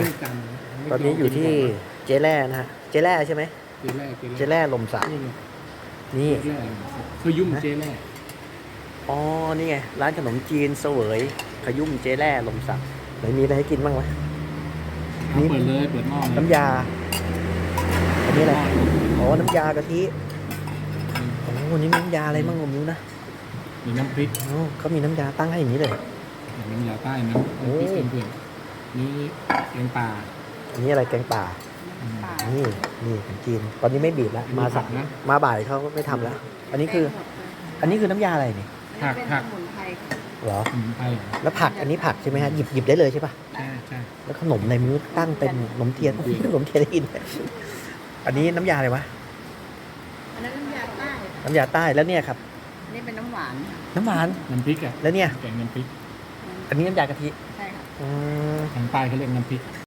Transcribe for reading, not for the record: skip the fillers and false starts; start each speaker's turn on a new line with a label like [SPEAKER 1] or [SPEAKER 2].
[SPEAKER 1] ไม่จำ
[SPEAKER 2] ตอนนี้อยู่ที่เจ๊แร่นะฮะ เจ๊แร่ใช่ไหม
[SPEAKER 1] เจแร่
[SPEAKER 2] เจ๊แร่ลมสัก
[SPEAKER 1] นี่ไง
[SPEAKER 2] นี่
[SPEAKER 1] เจแร่เขายุ่มเจแร่
[SPEAKER 2] อ๋อ นี่ไง ร้านขนมจีนเสวยขยุ่มเจ๊แร่ลมสักไหนมีอะไรให้กินบ้างวะ นี่
[SPEAKER 1] เปิดเลยเปิดหม้อเลย
[SPEAKER 2] น้ำยา อันนี้อะไร อ๋อ น้ำยากะทิ โอ้นี่มีน้ำยาอะไรบ้างผมรู้นะ
[SPEAKER 1] มีน้ำพริก
[SPEAKER 2] อ๋อเขามีน้ำยาตั้งให้อย่างนี้เลย
[SPEAKER 1] น้ำยาใต้น้ำพริกเพื่อนๆนี่แกงป่า
[SPEAKER 2] อันนี้อะไรแกงป่า นี่นี่ขนมจีน ตอนนี้ไม่บีบแล้ว มาสัก
[SPEAKER 1] นะ
[SPEAKER 2] มาบ่ายเขาก็ไม่ทำแล้ว อันนี้คือ อันนี้คือน้ำยาอะไรนี่
[SPEAKER 1] ผัก
[SPEAKER 3] เป็น
[SPEAKER 1] ผัก
[SPEAKER 3] สมุนไพรค่ะ
[SPEAKER 2] เหรอ
[SPEAKER 1] สมุนไพร
[SPEAKER 2] แล้วผัก อันนี้ผักใช่ไหมฮะ หยิบได้เลยใช่ปะ
[SPEAKER 1] ใช่ใช่
[SPEAKER 2] แล้วขนมในมือตั้งเป็นขนมเทียนขนมเทียนได้ยิน อันนี้น้ำยาอะไรวะ
[SPEAKER 3] อันนั้นน้ำยาใต้ค่ะ
[SPEAKER 2] น้ำยาใต้ แล้วเนี่ยครับ
[SPEAKER 3] อันนี้เป็นน้ำหวานค่ะ
[SPEAKER 2] น้ำหวาน
[SPEAKER 1] น้ำพริกอ่ะ
[SPEAKER 2] แล้วเนี่ย
[SPEAKER 1] แกงน้ำพริก
[SPEAKER 2] อันนี้น้ำยากะทิ
[SPEAKER 3] ใช่ค่ะ
[SPEAKER 2] อืม
[SPEAKER 1] ทางใต้เขาเรียกน้ำพริก